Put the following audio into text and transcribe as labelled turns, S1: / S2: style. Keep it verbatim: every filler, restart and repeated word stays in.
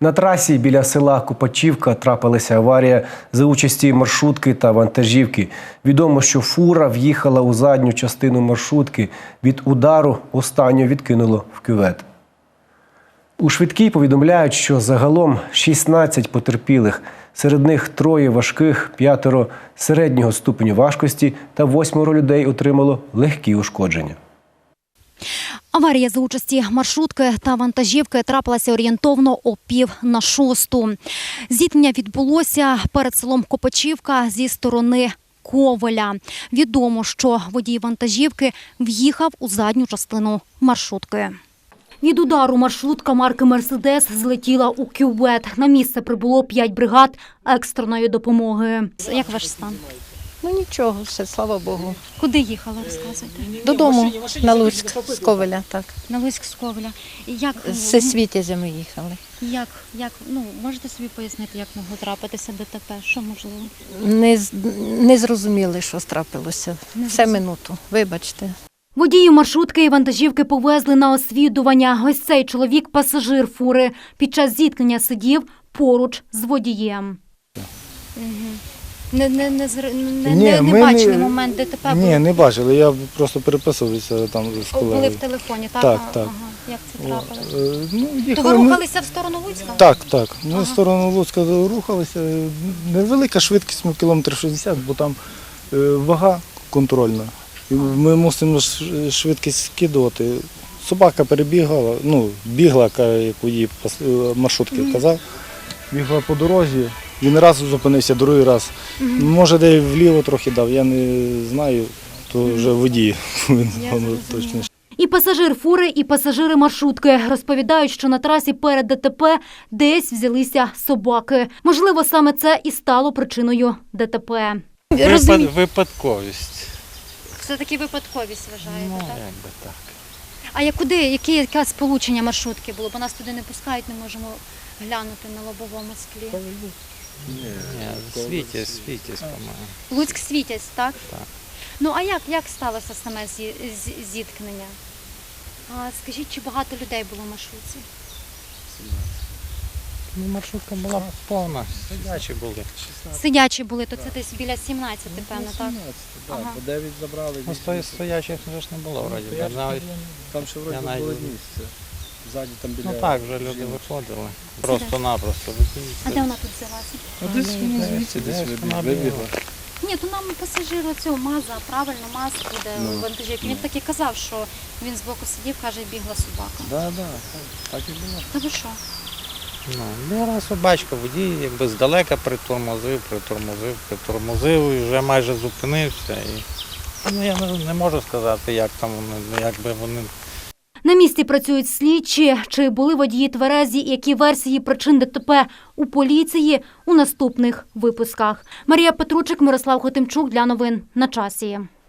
S1: На трасі біля села Копачівка трапилася аварія за участі маршрутки та вантажівки. Відомо, що фура в'їхала у задню частину маршрутки. Від удару останню відкинуло в кювет. У швидкій повідомляють, що загалом шістнадцять потерпілих. Серед них троє важких, п'ятеро середнього ступеню важкості та восьмеро людей отримало легкі ушкодження.
S2: Аварія за участі маршрутки та вантажівки трапилася орієнтовно о пів на шосту. Зіткнення відбулося перед селом Копачівка зі сторони Ковеля. Відомо, що водій вантажівки в'їхав у задню частину маршрутки. Від удару маршрутка марки «Мерседес» злетіла у кювет. На місце прибуло п'ять бригад екстреної допомоги. Як ваш стан?
S3: Ну нічого, все, слава Богу.
S2: Куди їхали, розказуйте?
S3: Додому, на Луцьк, з Ковеля, так.
S2: На Луцьк з Ковеля. Як,
S3: З Світязя ми їхали.
S2: як, як, ну, можете собі пояснити, як могло трапитися ДТП? Що можливо?
S3: Не, з- не зрозуміли, що трапилося. Все минуту, вибачте.
S2: Водії маршрутки і вантажівки повезли на освідування. Ось цей чоловік – пасажир фури. Під час зіткнення сидів поруч з водієм. Угу. Не, не, не, зр- не,
S4: Ні,
S2: не,
S4: ми
S2: не бачили
S4: не-
S2: момент ДТП?
S4: Ні, не бачили, я просто переписувався там з
S2: О, були
S4: колегою.
S2: в телефоні, так?
S4: Так,
S2: А,
S4: так.
S2: Ага. Як це
S4: О,
S2: трапилось?
S4: е, Ну,
S2: То
S4: їхали
S2: ви
S4: ми-
S2: рухалися в сторону Луцька?
S4: Так, так. Ми
S2: Ага.
S4: в сторону Луцька рухалися. Невелика швидкість, ну, кілометр шістдесят, бо там е, вага контрольна. І ми мусимо ш- швидкість скидувати. Собака перебігала, ну, бігла, ка- як її пас- е, маршрутки казав, бігла по дорозі. Він раз зупинився, другий раз. Може, де вліво трохи дав, я не знаю, то вже водій. Він
S2: зрозуміла.
S4: точно.
S2: І пасажир фури, і пасажири маршрутки розповідають, що на трасі перед ДТП десь взялися собаки. Можливо, саме це і стало причиною ДТП.
S5: Випад, випадковість.
S2: Це таки випадковість, вважаєте,
S5: Ну,
S2: так?
S5: якби так.
S2: А як куди, яке, яке сполучення маршрутки було? Бо нас туди не пускають, не можемо глянути на лобовому склі.
S5: Ні, світязь, світязь, по-моєму.
S2: Луцьк-Світязь, так?
S5: Так.
S2: Ну, а як, як сталося саме зі- з- зіткнення? А, скажіть, чи багато людей було в маршрутці?
S5: Ну, маршрутка була повна, сидячі були.
S2: Сидячі були, то це десь біля сімнадцяти, певно, так?
S4: Так,
S2: Ага.
S4: по дев'ять забрали.
S5: Ну, стої- стоячих вже ж не було, вроді. Я навіть,
S4: Там ще вроді
S5: я навіть-
S4: було місце. Ззаді там біля...
S5: ну так, вже люди виходили. Просто-напросто.
S2: А де вона тут взялася?
S4: А десь воно звідси десь вибіг- вибігла.
S2: Ні, то нам пасажир оцього МАЗа, правильно, МАЗ буде
S4: Ну.
S2: вантажівки. Він так і казав, що він збоку сидів, каже, бігла собака.
S4: Так, так, так і було.
S2: Та ви що?
S5: Ну, бігла собачка, водій якби здалека притормозив, притормозив, притормозив і вже майже зупинився. І, ну, я не, не можу сказати, як там вони, як би вони.
S2: На місці працюють слідчі. Чи були водії тверезі, і які версії причин ДТП у поліції у наступних випусках. Марія Петручик, Мирослав Хотимчук для новин на часі.